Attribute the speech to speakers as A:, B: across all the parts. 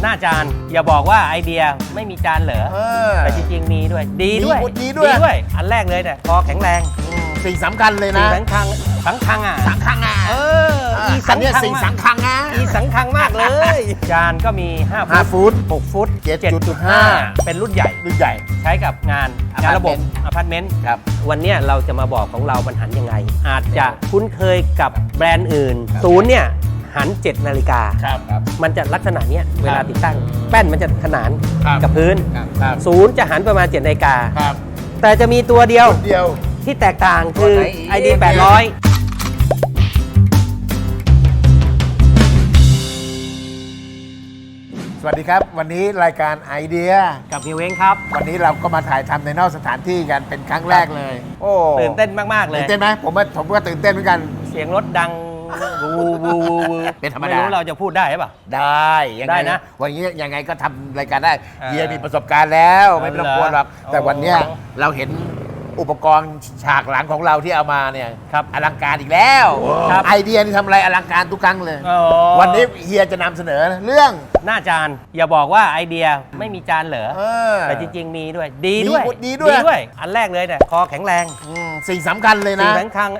A: หน้าจานอย่าบอกว่าไอเดียไม่มีจานเหรอแต่จริงๆมีด้วยดีด้วยอันแรกเลยเนี่ยคอแข็งแรง
B: สิ่งสำคัญเลยนะ
A: สังคัง
B: อีสังคังสิ่งสังคังนะ
A: อีสังคังมากเลยจานก็มี5 ฟุต6 ฟุต 7.5 เป็นรุ่นใหญ่ใช้กับงานระบบอพาร์ตเมนต์
B: ครับ
A: วันนี้เราจะมาบอกของเรามันหันยังไงอาจจะคุ้นเคยกับแบรนด์อื่นศูนย์เนี่ยหัน7 นาฬิกามันจะลักษณะนี้เวลาติดตั้งแป้นมันจะขนานกับพื้นศูนย์จะหันประมาณ7 นาฬิกาแต่จะมีตัวเดียวที่แตกต่างคือ ID 800
B: สวัสดีครับวันนี้รายการไอเดีย
A: กับพี่เว้งครับ
B: วันนี้เราก็มาถ่ายทำในนอกสถานที่กันเป็นครั้งแรกเลยโอ้
A: ตื่นเต้นมากๆเลย
B: ตื่นเต้นไหมผมก็ตื่นเต้นเหมือนกัน
A: เสียงรถดังวู
B: เป็นธรรมดา
A: ไม่รู้เราจะพูดได้ป่ะ
B: ได้นะวันนี้ยังไงก็ทำรายการได้เฮียมีประสบการณ์แล้วไม่ต้องกลัวหรอกแต่วันนี้เราเห็นอุปกรณ์ฉากหลังของเราที่เอามาเนี่ยอลังการอีกแล้วไอเดียนี่ทำอะไรอลังการทุกครั้งเลยวันนี้เฮียจะนำเสนอเรื่อง
A: หน้าจานอย่าบอกว่าไอเดียไม่มีจานเหรอแต่จริงๆมีด้วยดีด้วยอันแรกเลยเนี่ยคอแข็งแรง
B: สิ่งสำคัญเลยนะ
A: สังคัง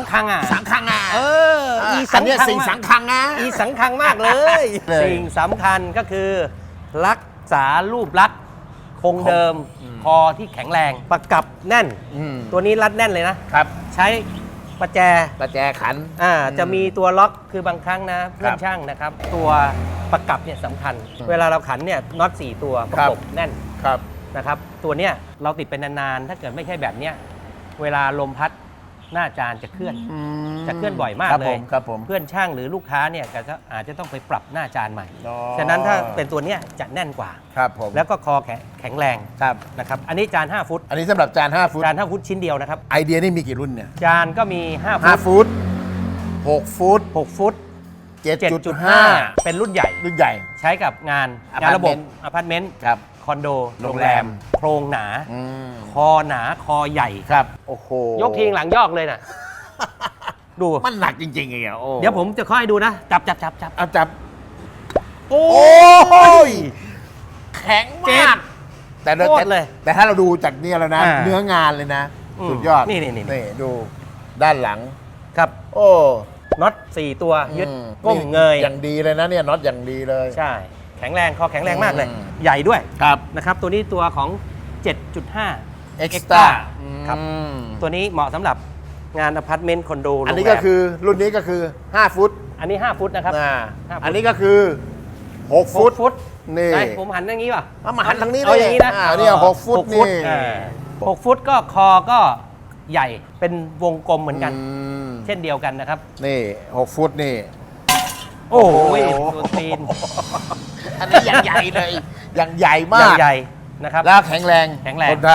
B: อีสิ่งสังคังนะ
A: อีสังคังมากเลยสิ่งสำคัญก็คือรักษารูปลักษณ์คงเดิมคอที่แข็งแรงประกับแน่นตัวนี้รัดแน่นเลยนะครับใช้ประแจ
B: ขัน
A: จะมีตัวล็อกคือบางครั้งนะเพื่อนช่างนะครับตัวประกับเนี่ยสำคัญเวลาเราขันเนี่ยน็อต4 ตัวประกบแน่นนะครับตัวเนี้ยเราติดเป็นนานๆถ้าเกิดไม่ใช่แบบเนี้ยเวลาลมพัดหน้าจานจะเคลื่อนบ่อยมากเลยเพื่อนช่างหรือลูกค้าเนี่ยก็อาจจะต้องไปปรับหน้าจานใหม่ฉะนั้นถ้าเป็นตัวเนี้ยจะแน่นกว่าแล้วก็คอแข็งแรงนะครับอันนี้จาน5 ฟุต
B: อันนี้สำหรับจาน5 ฟุต
A: ฟุตชิ้นเดียวนะครับ
B: ไอเดียนี่มีกี่รุ่นเนี่ย
A: จานก็มี
B: 5 ฟุต6 ฟุต 7.5
A: เป็นรุ่นใหญ่ใช้กับงานระบบอพาร์ตเมนต์คอนโดโรงแรมโครงหนาคอหนาคอใหญ่
B: ครับโอ้โห
A: ยกทีหลังยอกเลยนะดู
B: มันหนักจริงๆไง
A: เดี๋ยวผมจะค่อยดูนะจับ
B: เอาจับโอ้ยแข็งมากแต่ถ้าเราดูจากนี่แล้วนะเนื้องานเลยนะสุดยอดนี่ดูด้านหลัง
A: ครับโอ้น็อต4 ตัวยึดก้มเงย
B: อย่างดีเลยนะเนี่ยน็อตอย่างดีเลย
A: ใช่แข็งแรงคอแข็งแรงมากเลยใหญ่ด้วยนะครับตัวนี้ตัวของ 7.5
B: Extra
A: ครับตัวนี้เหมาะสำหรับงานอพาร์ตเมนต์คอนโด
B: อันนี้ก็คือรุ่นนี้ก็คือ5 ฟุต
A: อันนี้5 ฟุตนะครับ
B: อันนี้ก็คือ6 ฟุตนี่
A: ผมหันอย่างนี้ป่ะ
B: มาหันทางนี้
A: เลยอย่างนี้นะ
B: นี่6 ฟุตนี่
A: 6 ฟุตก็คอก็ใหญ่เป็นวงกลมเหมือนกันเช่นเดียวกันนะครับ
B: นี่6 ฟุตนี่
A: โอ้โหตัวตีน
B: อันนี้อย่างใหญ่เลยอย่างใหญ่มาก
A: ใหญ่นะครับ
B: แล้วแข็งแรงทนทาน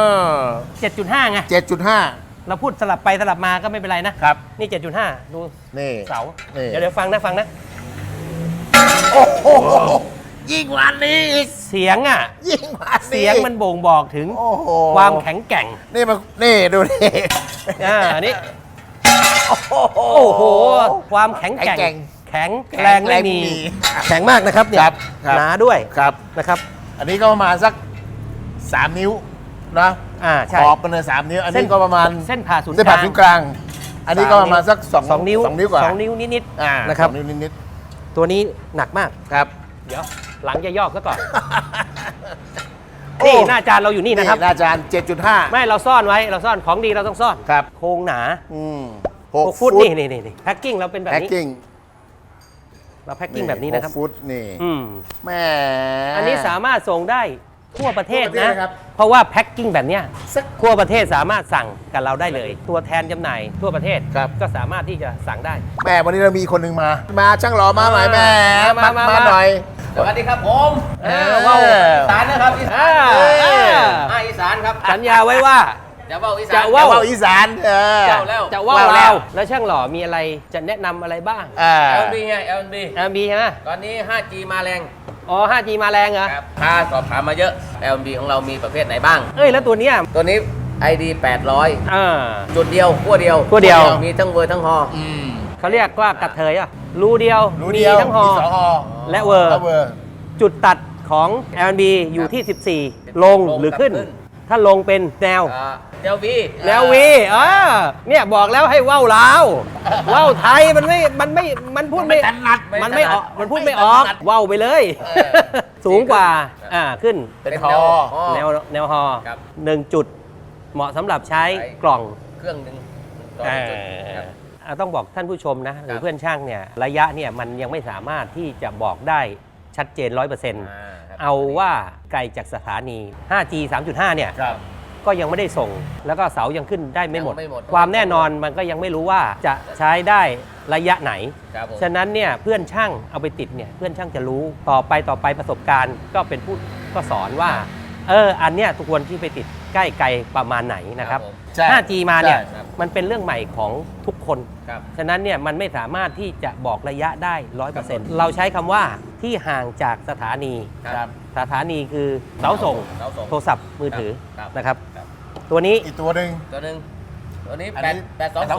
A: 7.5 ไง
B: 7.5
A: เราพูดสลับไปสลับมาก็ไม่เป็นไรนะครับนี่ 7.5 ดู
B: นี่
A: เสาเดี๋ยวฟังนะ
B: โอ้โหยิ่งกว่านี้
A: เสียง
B: ยิ่งกว่า
A: เสียงมันบ่งบอกถึงความแข็งแกร่ง
B: นี่ดูนี่
A: นี่โอ้โหความแข็งแกร่งแข็งแรงไม่มีแข็งมากนะครับเนี่ยหนาด้วยนะครับ
B: อันนี้ก็ประมาณสัก3 นิ้วนะขอบกันเลย3 นิ้วอันนี้ก็ประมาณ
A: เส้นผ่าศูนย์
B: กลางอันนี้ก็ประมาณสัก2 นิ้วกว่า
A: 2 นิ้วนิดๆนะครับ
B: 2 นิ้วนิด
A: ๆตัวนี้หนักมาก
B: ครับ
A: เดี๋ยวหลังจะย่อซะก่อนนี่หน้าจานเราอยู่นี่นะครับ
B: หน้าจาน 7.5
A: ไม่เราซ่อนไว้เราซ่อนของดีเราต้องซ่อนโครงหนา6 ฟุตนี่แพ็คกิ้งเราเป็นแบบนี้เราแพ็คกิ้งแบบนี้นะครับ
B: 6 ฟุตนี่แม่
A: อันนี้สามารถส่งได้ทั่วประเทศนะเพราะว่าแพ็คกิ้งแบบนี้ทั่วประเทศสามารถสั่งกับเราได้เลยตัวแทนจำหน่ายทั่วประเทศก็สามารถที่จะสั่งได้
B: แม่วันนี้เรามีคนหนึ่งมาช่างหล่อมาหน่อยแม่มาหน่อย
C: สวัสดีครับผมว่าวอีสานนะครับอีสานอีสานครับ
A: สัญญาไว้ว่า
C: จะว่าวอีสาน
B: อีสาน
A: จะว่าวแล้วช่างหล่อมีอะไรจะแนะนำอะไรบ้าง
C: LNB ไง LNB
A: ใช่ไหม
C: ตอนนี้ 5G มาแรง
A: อ๋อ 5G มาแรงเหรอ
C: ครับสอบถามมาเยอะ LNB ของเรามีประเภทไหนบ้าง
A: แล้วตัวนี้
C: ID 800จุดเดียวขั้วเดียวมีทั้งเวอร์ทั้งฮอ
A: เขาเรียกว่ากระเทยรูเดียวมีทั้งฮอและเวอร์จุดตัดของ L&B อยู่ที่ 14 ลงหรือขึ้น ถ้าลงเป็นแนว
C: แนววี
A: แนววีเนี่ยบอกแล้วให้ว่าวลาวว่าวไทยมันพูดไม่
B: ถนัด
A: มันไม่ออกมันพูดไม่ออกว่าวไปเลย สูงกว่าขึ้น
B: เป็นฮอ
A: แนวฮอ
C: ครับ
A: 1 จุดเหมาะสำหรับใช้กล่อง
C: เครื่องหนึ่งต่อ
A: อ่า
C: จุดครับ
A: ต้องบอกท่านผู้ชมนะหรื
C: ครั
A: อบ เพื่อนช่างเนี่ยระยะเนี่ยมันยังไม่สามารถที่จะบอกได้ชัดเจน 100%
C: ครับ
A: เอาว่าไกลจากสถานี 5G 3.5 เนี่ย
B: ครับ
A: ก็ยังไม่ได้ส่ง แล้วก็เสายังขึ้นได้ไม่หมด
C: ยังไม่หมด
A: ความแน่นอนมันก็ยังไม่รู้ว่าจะใช้ได้ระยะไหน
C: ครับผม
A: ฉะนั้นเนี่ยเพื่อนช่างเอาไปติดเนี่ยเพื่อนช่างจะรู้ต่อไปประสบการณ์ก็เป็นผู้ก็สอนว่าอันเนี้ยทุกคนที่ไปติดใกล้ไกลประมาณไหนนะครับ
C: ผม
B: ใช่
A: 5G มาเนี่ย
B: ใช่
A: มันเป็นเรื่องใหม่ของทุกคน
C: ครับ
A: ฉะนั้นเนี่ยมันไม่สามารถที่จะบอกระยะได้ 100%เราใช้คำว่าที่ห่างจากสถานี
B: ครับ
A: สถานีคือเสาส่ง
C: เสาส่ง
A: โทรศัพท์มือถือ
C: ครับ
A: นะครับ
C: ครับ
A: ตัวนี้
B: อีกตัวหนึ่ง
C: ตัวหนึ่งตัวนี้
B: อันนี้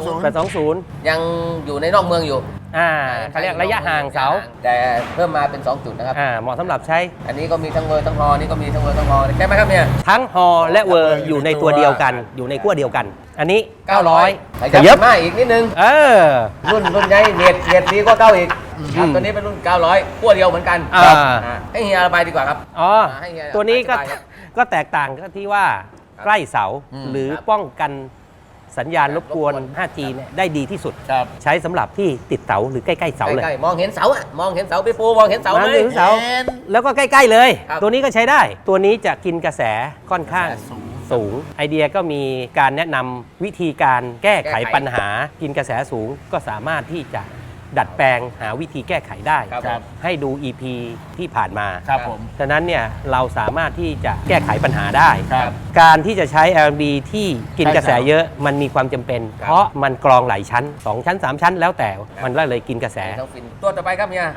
C: 820
A: 820
C: ยังอยู่ในนอกเมืองอยู่
A: เขาเรียกระยะห่างเสา
C: แต่เพิ่มมาเป็น 2 จุดนะครับ
A: เหมาะสำหรับใช้
C: อันนี้ก็มีทั้งเวอร์ทั้งฮอนี่ก็มีทั้งเวอร์ทั้งฮอใช่ไหมครับเนี่ย
A: ทั้งฮอและเวอร์อยู่ในตัวเดียวกัน อยู่ในขั้วเดียวกัน อันนี้ 900
C: ข
A: ข
C: ยั
A: ยั
C: บบ มาอีกนิดนึง รุ่นใหญ่เน็ตดีกว่าเก้าอีกครับตัวนี้เป็นรุ่น 900ขั้วเดียวเหมือนกัน
A: อ่า
C: ให้เฮียระบายดีกว่าครับ ให้เฮีย
A: ตัวนี้ก็
C: อธิบายครับ
A: ก็แตกต่างก็ที่ว่าใกล้เสาหรือป้องกันสัญญาณรบกวน 5G เนี่ยได้ดีที่สุด
B: ครับ
A: ใช้สำหรับที่ติดเสาหรือใกล้ๆเสาเลย
C: ใกล้ๆมองเห็นเสาอะมองเห็นเสาพี่ปูมองเห็นเสาไหม
A: มองเห็นเสา
B: เห็น
A: แล้วก็ใกล้ๆเลย
C: ครับ
A: ตัวนี้ก็ใช้ได้ ตัวนี้จะกินกระแสค่อนข้าง
B: กระแสสูง
A: สูง ไอเดียก็มีการแนะนำวิธีการแก้ไขปัญหา กินกระแสสูงก็สามารถที่จะดัดแปลงหาวิธีแก้ไขได้
C: ครับ
A: ให้ดู EP ที่ผ่านมา
B: ครับผม
A: ฉะนั้นเนี่ยเราสามารถที่จะแก้ไขปัญหาได้
B: ครับ
A: การที่จะใช้ L&B ที่กินกระแสเยอะมันมีความจำเป็น
C: ครับ
A: เพราะมันกรองหลายชั้น 2 ชั้น 3 ชั้น แล้วแต่มันก็เลยกินกระแส
C: ทั้งฟินตัวต่อไปครับเฮีย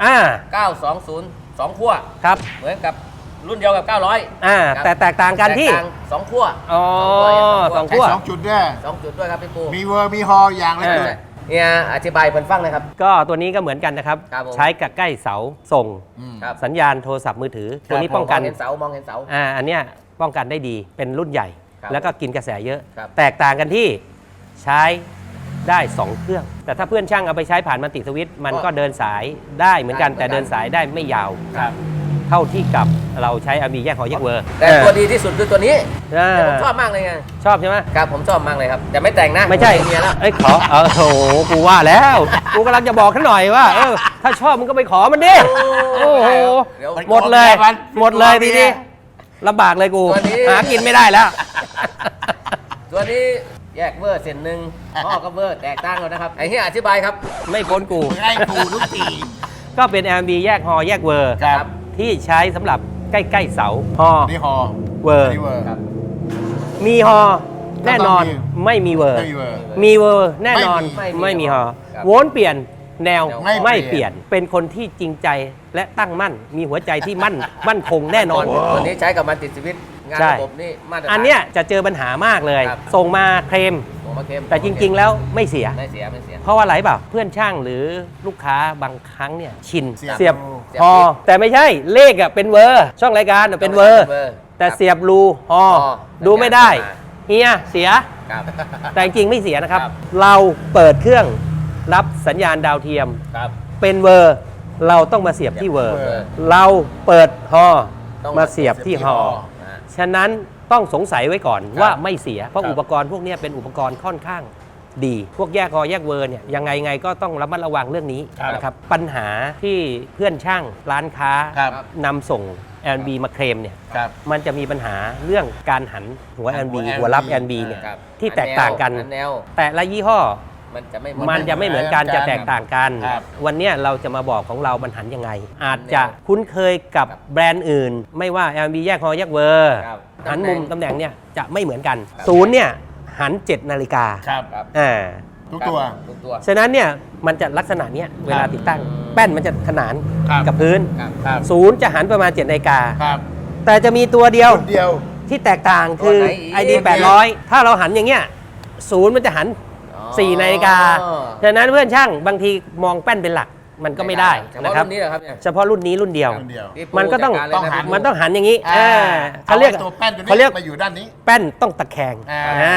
C: 920 2ขั้ว
A: ครับ
C: เหมือนกับรุ่นเดียวกับ 900
A: แต่แตกต่างกันที่
C: แตต่าง2ขั้ว
A: อ๋อสอง
B: ใช้
A: ขั้ว
B: 2 จุดด้วย
C: 2จุดด้วยครับพี่ปู
B: มีเวอร์มีฮออย่างละจุด
C: เฮียอธิบายเพิ่นฟังเลยครับ
A: ก็ตัวนี้ก็เหมือนกันนะครับ
C: ครับผม
A: ใช้กับใกล้เสาส่ง
C: ครับ
A: สัญญาณโทรศัพท์มือถือ ตัวนี้ป้องกัน
C: มองเห็นเสามองเห็นเสา
A: อันเนี้ยป้องกันได้ดีเป็นรุ่นใหญ่
C: ครับ
A: แล้วก็กินกระแสเยอะ
C: ครับ
A: แตกต่างกันที่ใช้ได้ 2 เครื่อง แต่ถ้าเพื่อนช่างเอาไปใช้ผ่านมัลติสวิตช์มันก็เดินสายได้เหมือนกัน แต่เดินสายได้ไม่ยาว
B: ครับ
A: เท่าที่กับเราใช้มีแยกหอแยกเวอร์
C: แต่ตัวดีที่สุดคือตัวนี้
A: เออ
C: แต่ผมชอบมากเลยไง
A: ชอบใช่ไหม
C: ครับผมชอบมากเลยครับแต่ไม่แต่งนะ
A: ไม่ใช่
C: เฮียแล้ว
A: เอ้ยขอโอ้โหกูว่าแล้ว กูกำลังจะบอกท่านหน่อยว่าถ้าชอบมึงก็ไปขอมันดิโอ้โห
C: เดี๋ยว
A: หมดเลย
B: มัน
A: หมดเลยทีนี้ลำบากเลยกู
C: ตัวนี้
A: หากินไม่ได้แล้ว
C: ตัวนี้แยกเวอร์เส้นหนึ่งห่อกับเวอร์แตกต่างกันนะครับไอ้เฮียอธิบายครับ
A: ไม่พ้นกู
B: ให้กูทุกที
A: ก็เป็น L&B แยกฮอแยกเวอร์
B: ครับ
A: ที่ใช้สำหรับใกล้ๆเสาฮอ
B: นี่ฮอ
A: เวอร์
B: นี่เวอร์
C: ครับ
A: มีฮอแน่นอน
B: แล้วก็
A: ไม่มีเวอร์
B: ไม่มีเวอร์
A: มีเวอร์แน่นอน
B: ไม่มี
A: ไม่มีฮอ
C: ครับ
A: โวนเปลี่ยนแนว
B: ไม่
A: ไม่
B: เป
A: เป
B: ลี่
A: ลี่
B: ย
A: ย
B: น
A: น เป็นคนที่จริงใจและตั้งมั่น มีหัวใจที่มั่นคงแน่นอน
C: ตัวนี้ใช้กับมันติดชีวิตงาน
A: ใช่
C: ระบบนี่มาตรฐาน
A: อันเนี้ยจะเจอปัญหามากเลย
C: ครับ
A: ส่งมาเคลม
C: ผมมาเค็ม
A: แต่จริง ๆ แล้วไม่เสีย
C: ไม่เสียไม่เสีย
A: เพราะว่าอะไรเปล่าเพื่อนช่างหรือลูกค้าบางครั้งเนี่ยชิน
B: เสียบ
A: เสียบ
C: เสียบ
A: ฮอแต่ไม่ใช่เลขอะเป็นเวอร์ช่องรายการอะเป็นเวอร์ แต่เสียบรูฮอ
C: ฮอ
A: ดูไม่ได้
C: สัญญาณ
A: เฮียเสีย
C: ครับ
A: แต่จริงๆไม่เสียนะครับ
C: ครับ
A: เราเปิดเครื่องรับสัญญาณดาวเทียม
C: ครับ
A: เป็นเวอร์ เราต้องมาเสียบที่เวอร์
B: เวอร์
A: เราเปิดฮอ
C: ต้อง
A: มาเสียบที่ฮอ
C: อ่า
A: ฉะนั้นต้องสงสัยไว้ก่อน
C: ครับ
A: ว่าไม่เสีย เพราะ
B: ครับ
A: อุปกรณ์พวกเนี้ยเป็นอุปกรณ์ค่อนข้างดี พวกแยกฮอแยกเวอร์เนี่ยยังไงก็ต้องระมัดระวังเรื่องนี้
B: ครับ
A: นะครับปัญหาที่เพื่อนช่างร้านค้า
B: ครับ
A: นำส่ง L&B มาเคลมเนี่ย
B: ครับ
A: มันจะมีปัญหาเรื่องการหันหัว L&B หัวรับ L&B เนี่ย
C: ครับ
A: ที่แตกต่างกัน
C: อัแนว
A: แต่ละยี่ห้อ
C: มันจะไม่
A: มันจะไม่เหมือนกัน
B: เหมือนกัน
A: จะแตกต่างกัน
B: ครับ
A: วันเนี้ยเราจะมาบอกของเรามันหันยังไง อาจจะคุ้นเคยกับแบรนด์อื่น ไม่ว่า L&B แยกฮอแยกเวอร์
C: ครับ
A: หันมุมตำแหน่งเนี่ยจะไม่เหมือนกันศูนย์เนี่ยหัน 7 นาฬิกา
B: ครับ
C: ครับ
A: อ่า
B: ทุกตัว
C: ทุกตัว
A: ฉะนั้นเนี่ยมันจะลักษณะเนี้ยเวลาติดตั้งแป้นมันจะขนาน
B: ครับ
A: กับพื้น
C: ครับ
B: ครับ
A: ศูนย์จะหันประมาณ 7 นาฬิกา
B: ครับ
A: แต่จะมีตัวเดียว
B: รุ่นเดียว
A: ที่แตกต่างคือ
C: ตัวไหนอีก
A: ID 800 ถ้าเราหันอย่างเงี้ยศูนย์มันจะหัน 4 นาฬิกา
C: อ๋อ
A: ฉะนั้นเพื่อนช่างบางทีมองแป้นเป็นหลักมันก็ไม่ได้
C: เฉ
A: นะ
C: พาะ
A: ครับ
C: รุ่นนี้เหรอครับเนี่ย
A: เฉพาะรุ่นนี้รุ่นเดียว
B: รุ่นเดียว
C: พี่ปู
A: มันก็ต้อง
C: จัดารเลยะ
A: มันต้องหันอย่างนี้
B: เขา
A: เขา
B: เรี
A: เรี
B: ย
A: ย
B: ก
A: ก
B: ตัวแป้นตัว
A: เขา
B: นี้
A: เรียก
B: มาอยู่ด้านนี้
A: แป้นต้องตะแคง
B: อ่า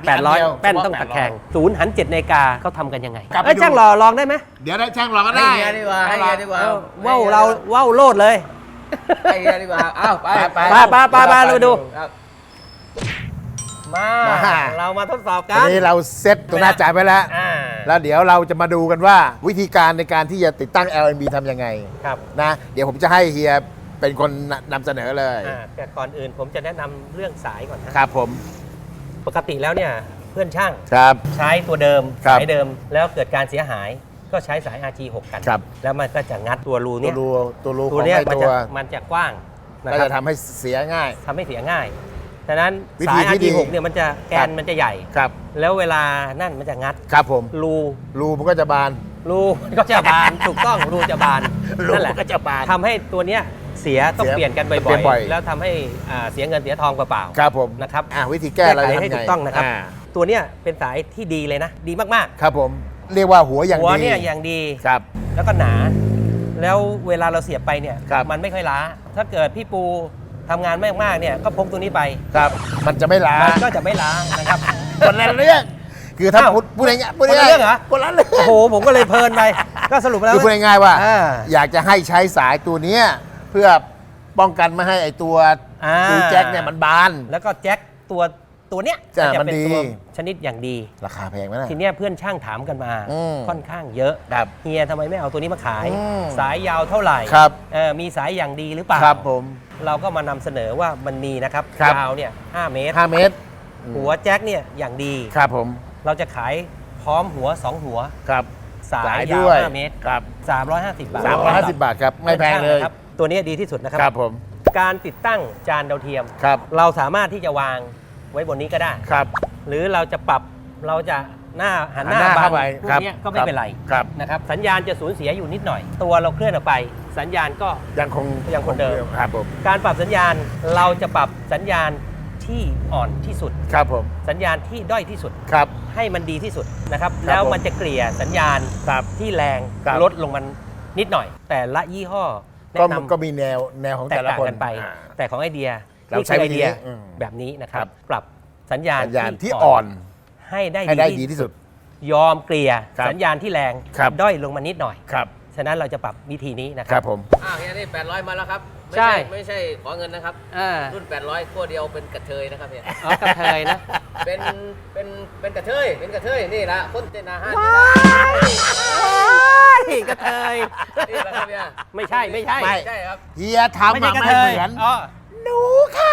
A: 800 แป้น
B: เฉพาะ
A: ต้องตะแคง
B: 800
A: ศูนย์หัน7 นาฬิกาเขาทำกันยังไง
B: กลับไป
A: เอ้ย
B: ดู
A: ช่างรอลองได้ไหม
B: เดี๋ยวได้ช่างรอก็
C: ให้
B: ได้
C: เฮียดีกว่าให้เฮียดีกว่า
A: ว้าวเราว้าวโลดเลย
C: ให้เฮียดีกว่าอ้าวไป
B: ไป
A: ไปเราไปดู
C: ครับ
A: มา เรามาทดสอบ
B: ต
A: กั
B: อน
A: น
B: นี้เราเซ็ตตัวหน้าจ่ายไปแล้ว
A: อ่า
B: แล้วเดี๋ยวเราจะมาดูกันว่าวิธีการในการที่จะติดตั้ง LNB ทำยังไง
A: ครับ
B: นะ เดี๋ยวผมจะให้เฮียเป็นคนนำเสนอเลย
A: แต่ก่อนอื่นผมจะแนะนำเรื่องสายก่อนนะครับ
B: ผม
A: ปกติแล้วเนี่ยเพื่อนช่าง
B: ครับ
A: ใช้ตัวเดิม
B: ครับ
A: สายเดิมแล้วเกิดการเสียหายก็ใช้สาย RG6 กัน
B: ครับ
A: แล้วมันก็จะงัดตัวรู
B: ตั
A: เนี่
B: วย รูตัวรูข
A: ตั
B: อ
A: ว
B: ง
A: เนี้ย
B: ไอ้
A: มัน
B: ตัว
A: มันจะกว้างนะ
B: ก็
A: ครั
B: จะ
A: บ
B: ทำให้เสียง่าย
A: ทำให้เสียง่ายฉะนั้น
B: วิธี
A: สาย
B: ที่ดี
A: RG6 เนี่ยมันจะแก
B: ครั
A: น
B: บ
A: มันจะใหญ่
B: ครับ
A: แล้วเวลานั่นมันจะงัด
B: ครับผม
A: รู
B: รูมันก็จะบาน
A: รูก็จะบาน ถูกต้องรูจะบาน
B: รู
A: นั่นแหละ
B: มันก็จะบาน
A: ทำให้ตัวเนี้ยเสียต้อง
B: เสีย
A: เปลี่ยนกัน
B: เปลี่
A: บ่อย
B: ยนบ่อย
A: ๆ แล้วทำให้เสียเงินเสียทองเปล่าๆ
B: ครับผม
A: นะครับ
B: วิธีแก้เรา
A: ไข
B: จะ
A: ให้
B: ทำไง
A: ถูกต้องนะครับ
B: า
A: ตัวเนี้ยเป็นสายที่ดีเลยนะ ดีมาก
B: ครับผมเรียกว่าหัวอย่าง
A: หัว
B: ดี
A: เนี่ยอย่างดี
B: ครับ
A: แล้วก็หนา แล้วเวลาเราเสียบไปเนี่ย
B: ครับ
A: มันไม่ค่อยล้า ถ้าเกิดพี่ปูทำงานมากๆเนี่ยก็พกตัวนี้ไป
B: ครับ มันจะไม่ล้า
A: มันก็จะไม่ล้านะครับ
B: คนละเรื่องคือถ้า
A: อ้าว
B: พูดง่ายๆพูด
A: คนละ
B: ง่าย
A: เรื่องเหรอ
B: คนละเรื่อง
A: โอ้โหผมก็เลยเพลินไป ก็สรุปแล้ว
B: คือพูดง่ายๆว่า
A: อ่า
B: อยากจะให้ใช้สายตัวเนี้ยเพื่อป้องกันไม่ให้ไอตัว
A: อ่า
B: ตูแจ็คเนี่ยมันบาน
A: แล้วก็แจ็คตัวเนี้ย
B: จ้ะ
A: จะ
B: มัน
A: เป็น
B: ดี
A: ตัวชนิดอย่างดี
B: ราคาแพงไหมนะ
A: ทีเนี้ยเพื่อนช่างถามกันมา
B: อืม
A: ค่อนข้างเยอะ
B: ครับ
A: เฮียทำไมไม่เอาตัวนี้มาขาย
B: อืม
A: สายยาวเท่าไหร่
B: ครับ
A: มีสายอย่างดีหรือเปล่า
B: ครับผม
A: เราก็มานำเสนอว่ามันมีนะครับ
B: ครับ
A: ยาวเนี่ย5 เมตร
B: 5 เมตร
A: หัวแจ็คเนี่ยอย่างดี
B: ครับผม
A: เราจะขายพร้อมหัว 2 หัว
B: ครับ
A: สายยา
B: ด้
A: ว
B: วย
A: 5 เมตร
B: ครับ
A: 350 บาท
B: 350 บาทครับไม่แพงเลย
A: ครับตัวนี้ดีที่สุดนะครับ
B: ครับผม
A: การติดตั้งจานดาวเทียม
B: ครับ
A: เราสามารถที่จะวางไว้บนนี้ก็ได้
B: ครับ
A: หรือเราจะปรับเราจะหันหน้า
B: หันหน้า
A: บั
B: เข้าง ไป
A: พว
B: ครับ
A: กเนี้ยก็ไม่เป็นไร
B: ครับ
A: นะครับสัญญาณจะสูญเสียอยู่นิดหน่อย ตัวเราเคลื่อนออกไป สัญญาณก็
B: ยังคง
A: ยังคงเดิม
B: ครับผม
A: การปรับสัญญาณเราจะปรับสัญญาณที่อ่อนที่สุด
B: ครับผม
A: สัญญาณที่ด้อยที่สุด
B: ครับ
A: ให้มันดีที่สุดนะครับ
B: ครับ
A: แล้ว
B: ผม
A: มันจะเกลี่ยสัญญาณ
B: ครับ
A: ที่แรง
B: ครับ
A: ลดลงมันนิดหน่อย แต่ละยี่ห้อแนะ
B: ก็
A: นำ
B: ก็มีแนวของ
A: แต
B: แต่
A: ก
B: ละ
A: ต่าง
B: คน
A: กันไป
B: อ่า
A: แต่ของไอเดีย
B: เรา
A: นี่
B: ใช้
A: คือไอ
B: วิธี
A: เดีย
B: นี้อืม
A: แบบนี้นะค
B: ครั
A: รับ
B: บ
A: ปรับสัญญาณ
B: สัญญาณที่อ่อน
A: ให้ได้
B: ให้ได้ดีที่สุด
A: ยอมเกลี่ย
B: ครับ
A: สัญญาณที่แรง
B: ครับ
A: ด้อยลงมานิดหน่อย
B: ครับ
A: ฉะนั้นเราจะปรับวิธีนี้นะค
B: ค
A: รั
B: รับผม
C: อ้าวเฮียนี่800มาแล้วครับ
A: ใช่
C: ไม่ใช่ขอเงินนะครับ
A: อ่า
C: รุ่น 800ขั้วเดียวเป็นกระเทยนะครับเนี่ย
A: อ๋อกระเทยนะ
C: เป็นกระเทยนี่ละคนเต้นอาหาร
A: กระเทย
C: นี่ละครับเนี่ย
A: ไม่ใช่ไม่ใช่
B: ไม่
C: ใช่ครับ
B: เฮียทำ
A: ไม่ใช่
B: อะ
A: กระ
B: ไม่
A: เท
B: เห
A: ย
B: มือน
A: อ๋อ
B: หนูค่ะ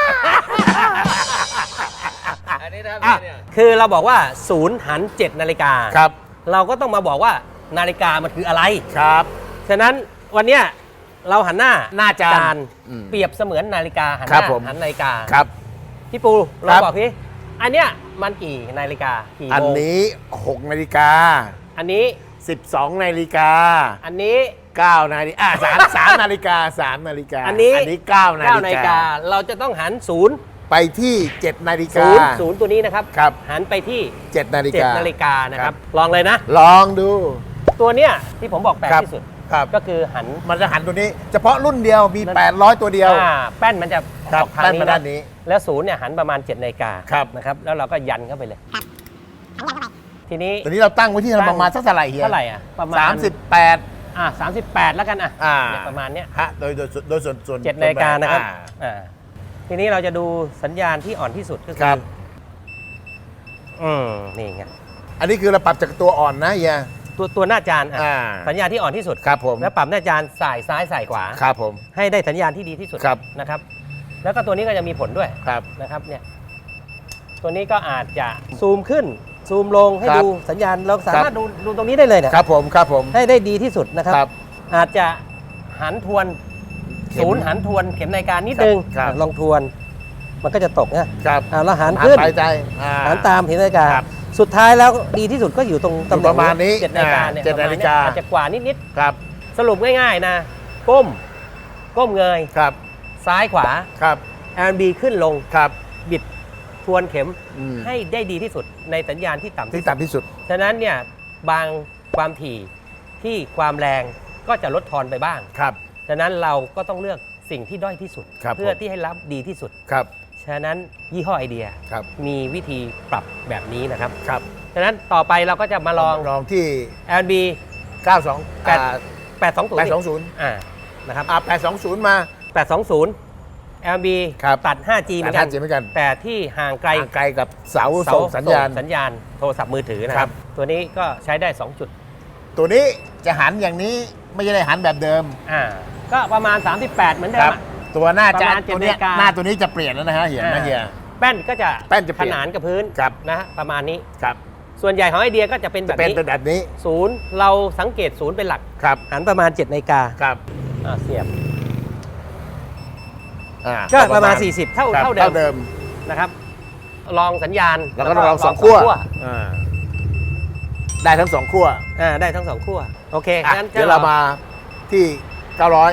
C: อันนี้นะครับ
B: อ่ะ
C: เนี่ย
A: คือเราบอกว่า0 หัน 7 นาฬิกา
B: ครับ
A: เราก็ต้องมาบอกว่านาฬิกามันคืออะไร
B: ครับ
A: ฉะนั้นวันเนี้ยเราหันหน้า
B: หน้าจาน
A: นเปรียบเสมือนนาฬิกาหันห
B: ครับ
A: น้า
B: ผม
A: หันนาฬิกา
B: ครับ
A: พี่ปูเรา
B: ครับ
A: บอกพี่อันเนี้ยมันกี่นาฬิกากี่
B: อัน
A: โมง
B: นี้6 นาฬิกา
A: อันนี้
B: 12 นาฬิกา
A: อันนี้
B: 9 นาฬิกา3 นาฬิกา3 นาฬิกา
A: อันนี้
B: 9 นา
A: 9 นา
B: ฬิ
A: ฬิ
B: กา
A: กาเราจะต้องหัน0
B: ไปที่ 7 นาฬิกา
A: 0ตัวนี้นะครับ
B: ครับ
A: หันไปที่
B: 7 นาฬิกา
A: 7 นาฬิกานะค
B: ครั
A: รับ
B: บ
A: ลองเลยนะ
B: ลองดู
A: ตัวเนี้ยที่ผมบอกแปลก
B: ครับ
A: ที่สุด
B: ครับ
A: ก็คือหัน
B: มันจะหันตัวนี้ เฉพาะรุ่นเดียวมี 800 ตัวเดียว
A: แป้นมันจะ
B: ครับ
A: ออกทาง
B: แป้น
A: นี้
B: มาด้านนี้
A: แล้วศูนย์เนี่ยหันประมาณ7 นาฬิกา
B: ครับ
A: นะครับแล้วเราก็ยันเข้าไปเลย ทีนี้
B: ตัวนี้เราตั้งไว้ที่ประมาณสักเท่าไหร่เฮีย
A: เท่าไหร่อ่ะประมาณ
B: 38
A: 38 แล้วกันอ่ะ
B: อ่า
A: เนี่ยประมาณเนี้ย
B: ฮะโดยส่วน
A: 7 นาฬิกานะครับ
B: อ่า
A: ทีนี้เราจะดูสัญญาณที่อ่อนที่สุดก็
B: ค
A: คื
B: รั
A: อบ นี่ไง
B: อันนี้คือเราปรับจากตัวอ่อนนะเฮีย
A: ตัวหน้าจานอ่ะ
B: อ่า
A: สัญญาณที่อ่อนที่สุด
B: ครับผม
A: แล้วปรับหน้าจานสายซ้ายสายขวา
B: ครับผม
A: ให้ได้สัญญาณที่ดีที่สุด
B: ครับ
A: นะครับ แล้วก็ตัวนี้ก็จะมีผลด้วย
B: ครับ
A: นะครับเนี่ยตัวนี้ก็อาจจะซูมขึ้นซูมลงให้
B: ครับ
A: ดูสัญญาณเราสามารถดูตรงนี้ได้เลยเนี่ย
B: ครับผมครับผม
A: ให้ได้ดีที่สุดนะครับ
B: ครับ
A: อาจจะหันทวน
B: เข็ม
A: ศูนย์หันทวนเข็มนาฬิกานิดนึง
B: ครับ
A: ลองทวน มันก็จะตกนะครับ แล้วหันขึ้น
B: ไปใจอ่
A: หันตามเข็มนาฬิกา
B: ครับ
A: สุดท้ายแล้วดีที่สุดก็อยู่ตรงตำแหน่ง
B: ประมาณนี้
A: 7 นาฬิกาเนี่ย
B: 7 นาฬิกา
A: อาจจะกว่านิด
B: ครับ
A: ๆสรุปง่ายๆนะก้มเงย
B: ครับ
A: ซ้ายขวา
B: ครับ
A: R&B ขึ้นลง
B: ครับ
A: บิดทวนเข็ม
B: อืม
A: ให้ได้ดีที่สุดในสัญญาณที่ต่ำ
B: ที่
A: ที่สุด
B: ต่ำที่สุด
A: ฉะนั้นเนี่ยบางความถี่ที่ความแรงก็จะลดทอนไปบ้าง
B: ครับ
A: ฉะนั้นเราก็ต้องเลือกสิ่งที่ด้อยที่สุด
B: ครับ
A: เพื่อที่ให้รับดีที่สุด
B: ครับ
A: ฉะนั้นยี่ห้อไอเดีย
B: ครับ
A: มีวิธีปรับแบบนี้นะครับ
B: ครับ
A: ฉะนั้นต่อไปเราก็จะมาลอง
B: ลองที่
A: L&B
B: 92
A: 820
B: 820
A: นะครับ
B: 820 มา
A: 820 L&B
B: ครับ
A: ตัด 5G เหมือนกัน
B: 5G เหมือนกัน
A: แต่ที่ห่างไกล
B: ห่างไกลกับเสาส่งสัญญาณ
A: สัญญาณโทรศัพท์มือถือนะค
B: ครั
A: รับ บ ตัวนี้ก็ใช้ได้ 2 จุด
B: ตัวนี้จะหันอย่างนี้ไม่ใช่ได้หันแบบเดิม
A: ก็ประมาณ 38 เหมือนเดิ
B: ค
A: ม
B: รับ
A: อะ
B: ตัวหน้าจะ
A: ประมาณ
B: ตัวเนี้ย
A: 7นาฬิกา
B: หน้าตัวนี้จะเปลี่ยนแล้วนะฮะเห็นนะเฮีย
A: แป้นก็จะ
B: แป้นจะเป
A: ข
B: ลี่ยน
A: นานกับพื้น
B: ครับ
A: นะฮะประมาณนี้
B: ครับ
A: ส่วนใหญ่ของไอเดียก็จะเป็นแบ
B: จะ
A: บ
B: เป็น
A: นี้
B: แบบนี้
A: ศูนย์เราสังเกตศูนย์เป็นหลัก
B: ครับ
A: หันประมาณ 7 นาฬิกา
B: ครับ
A: เสียบ
B: อ่า
A: ก็ประมาณ 40 เท่า
B: ครับ
A: เท่า
B: เท่า
A: เดิ
B: เดิ
A: ม
B: ม
A: นะครับลองสัญญาณ
B: แล้วก็ลองสองขั้วอ่าได้ทั้งสองขั้ว
A: ได้ทั้ง 2 ขั้วโอเค
B: อ่ะ
A: งั้น
B: เดี๋ยวเรามาที่ 900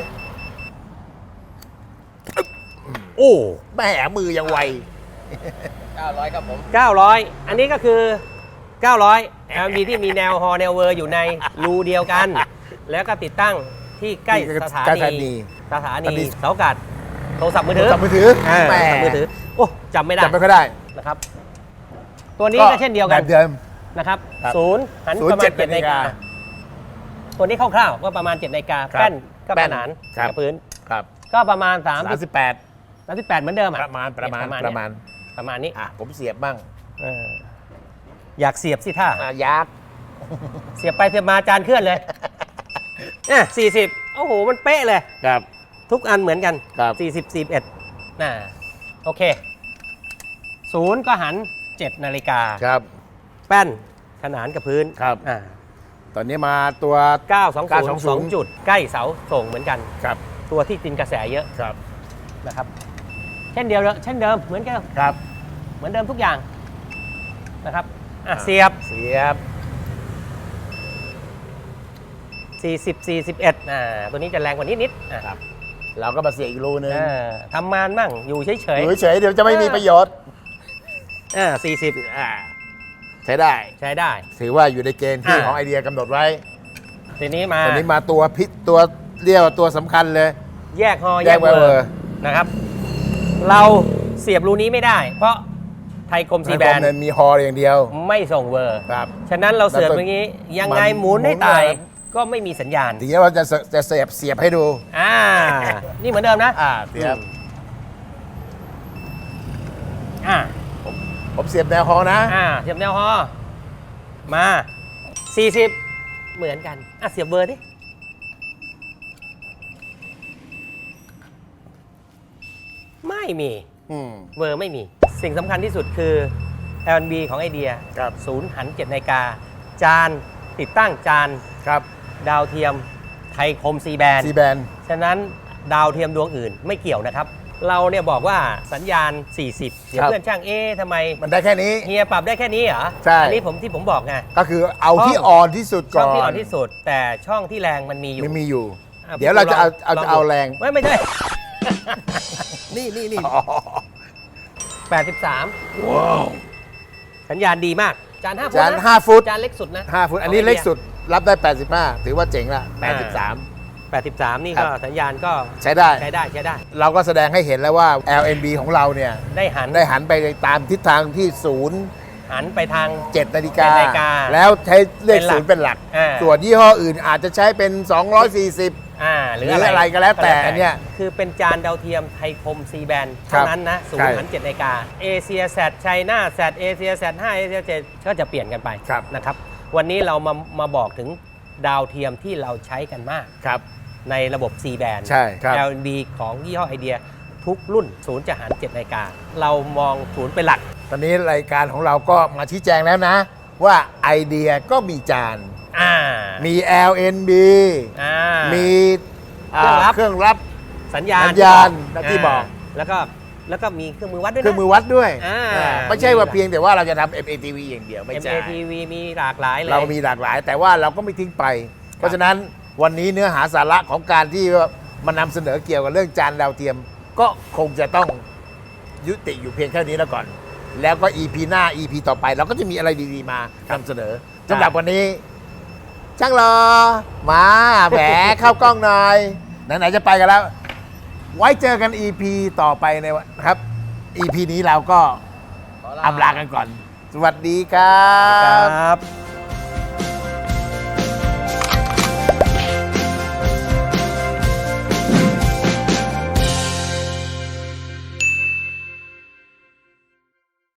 B: โอ้แม่มือยังไว
C: 900ครับผม
A: 900 อันนี้ก็คือ 900 LMB ที่มีแนวฮอแนวเวอร์อยู่ในรูเดียวกัน แล้วก็ติดตั้งที่ใกล้สถา
B: ใกล้สถานี
A: นีสถา
B: สถานี
A: นีเสาอากาศโทรศัพท์มือ
B: โท
A: ถื
B: ร
A: อ
B: ศัพท์มือถือ
A: โท
B: แห
A: รศัพท์มือถือโอ้จำไม่ได้
B: จำไม่ค่อยได้
A: นะครับ ตัวนี้ก็เช่นเดียวกัน
B: แบบเดิม
A: นะครับ
B: ครับ
A: ศูนย์หัน
B: ศูนย์
A: ประมาณ
B: 7
A: 7นาฬิกาตัวนี้คร่าวๆก็ประมาณ 7นาฬิกา
B: ครับ
A: แป้นก็
B: แป้
A: ข
B: น
A: นาน
B: ครับ
A: กับพื้น
B: ครับ
A: ก็ประมาณ
B: 38
A: 38เหมือนเดิมอ่ะ
B: ประมาณ
A: ประมาณ ประมาณนี้
B: อ่ะผมเสียบบ้าง
A: เอออยากเสียบสิท่า
B: ยักษ์
A: เสียบไปเสียบมาจานเคลื่อนเลย40โอ้โหมันเป๊ะเลย
B: ครับ
A: ทุกอันเหมือนกัน
B: ครับ
A: 40 41โอเคศูนย์ก็หัน7นาฬิกา
B: ครับ
A: แป้นขนานกับพื้น
B: ครับ ตอนนี้มาตัว
A: 920 2จุดใกล้เสาส่งเหมือนกัน
B: ครับ
A: ตัวที่กินกระแสเยอะ
B: ครับ
A: นะครับเช่นเดิมเหมือนกัน
B: ครับ
A: เหมือนเดิมทุกอย่างนะครับเสียบ
B: เสียบ
A: 40 41ตัวนี้จะแรงกว่านิดๆ
B: ครับ เราก็มาเสียบอีกรูนึง
A: ทำงานมั่งอยู่เฉย
B: อยู่เฉยๆเดี๋ยวจะไม่มีประโยชน์
A: 40
B: ใช้ได้
A: ใช้ได้
B: ถือว่าอยู่ในเกณฑ์ที่
A: อ่า
B: ของไอเดียกำหนดไว้
A: ทีนี้มา
B: ตอนนี้มาตัวพิษตัวเรียกว่าตัวสำคัญเลย
A: แยกฮอ
B: แยกเวอร์
A: นะครับ เราเสียบรูนี้ไม่ได้ เพราะไทยคมซีแบน
B: มันมีฮออย่างเดียว
A: ไม่ส่งเวอร์
B: ครับ
A: ฉะนั้นเราเสียบอย่างนี้ยังไงหมุนให้ตาย
B: หมุนเลย
A: ก็ไม่มีสัญญาณ
B: ทีนี้เราจะเสียบให้ดู
A: นี่เหมือนเดิมนะ
B: เสียบ
A: อ่า
B: ผมเสียบแนวฮอนะ
A: เสียบแนวฮอมา 40 เหมือนกันเสียบเบอร์ดิไม่มี เบอร์ไม่มี สิ่งสำคัญที่สุดคือ L&B ของไอเดีย
B: ครับ
A: ศูนย์หัน7นาฬิกาจานติดตั้งจาน
B: ครับ
A: ดาวเทียมไทยคมซีแบน
B: ซีแบน
A: ฉะนั้นดาวเทียมดวงอื่นไม่เกี่ยวนะครับ เราเนี่ยบอกว่าสัญญาณ 40 เดี๋ยว
B: ครับ
A: เพื่อนช่างทำไม
B: มันได้แค่นี้
A: เฮียปรับได้แค่นี้เหรอ
B: ใช่
A: อันี้ที่ผมบอกไง
B: ก็คือเอาที่อ่อนที่สุด
A: ช่
B: ก่
A: อ
B: อง น
A: ที่อ่อนที่สุด แต่ช่องที่แรงมันมีอยู่
B: ไม่มีอยู่
A: อ่ะ
B: เดี๋ยวเราจะเอา
A: ลง
B: แรง
A: ไม่ใช่ นี่
B: อ๋อ
A: 83
B: ว้าว
A: สัญญาณดีมาก จาน5ฟุต
B: จาน
A: นะ
B: 5 ฟุต
A: จานเล็กสุดนะ
B: 5 ฟุต อันนี้เล็กสุดรับได้ 85 ถือว่าเจ๋งละ
A: 83 นี่
B: ครั
A: ก็
B: บ
A: สัญญาณก็
B: ใช้ได้
A: ใช้ได้
B: เราก็แสดงให้เห็นแล้วว่า LNB ของเราเนี่ย
A: ได้หัน
B: ได้หันไปตามทิศทางที่ศูนย์
A: หันไปทาง
B: 7 นาฬิกา
A: 7 นาฬิกา
B: แล้วใช้เลข
A: เป็นหลัก
B: ศูนย์เป็นหลัก
A: อ่า
B: ส่วนยี่ห้ออื่นอาจจะใช้เป็น 240
A: หรือ
B: หรืออะไรก็แล้วแต่อันเนี้ย
A: คือเป็นจานดาวเทียมไทยคมซีแบน
B: ครั
A: เท่า
B: บ
A: นั้นนะศูน
B: ใช่
A: ย์หัน7นาฬิกาเอเชียแซดไชน่าแซดเอเชียแซด5เอเชีย7ก็จะเปลี่ยนกันไป
B: ครับ
A: นะครับ วันนี้เรามาบอกถึงดาวเทียมที่เราใช้กันมาก
B: ครับ
A: ในระบบ C band
B: ใช่ครับ
A: L&B ของยี่ห้อไอเดียทุกรุ่นศูนย์จะหัน7นาฬิกาเรามองศูนย์เป็นหลัก
B: ตอนนี้รายการของเราก็มาชี้แจงแล้วนะ ว่าไอเดียก็มีจาน มี LNB มี
A: เครื่องรับ สัญญาณ
B: ที่บอก
A: แล้วก็มีเครื่องมือวัดด้วย
B: เครื่
A: นะ
B: องมือวัดด้วย
A: อ่า
B: ไม่ใช่ว่าเพียงแต่ว่าเราจะทำ MATV อย่างเดียวไม่ใช่
A: MATV มีหลากหลายเลย
B: เรามีหลากหลาย แต่ว่าเราก็ไม่ทิ้งไป เพราะฉะนั้นวันนี้เนื้อหาสาระของการที่มานำเสนอเกี่ยวกับเรื่องจานดาวเทียม ก็คงจะต้องยุติอยู่เพียงแค่นี้แล้วก่อน แล้วก็ EP หน้า EP ต่อไป เราก็จะมีอะไรดีๆมานำเสนอสำหรับวันนี้ช่างรอมาแหมเข้ากล้องหน่อยไหนๆจะไปกันแล้ว ไว้เจอกัน EP ต่อไปในวันครับ EP นี้เราก็อำลากันก่อน สวัสดีครั
A: คร
B: บ
A: ับ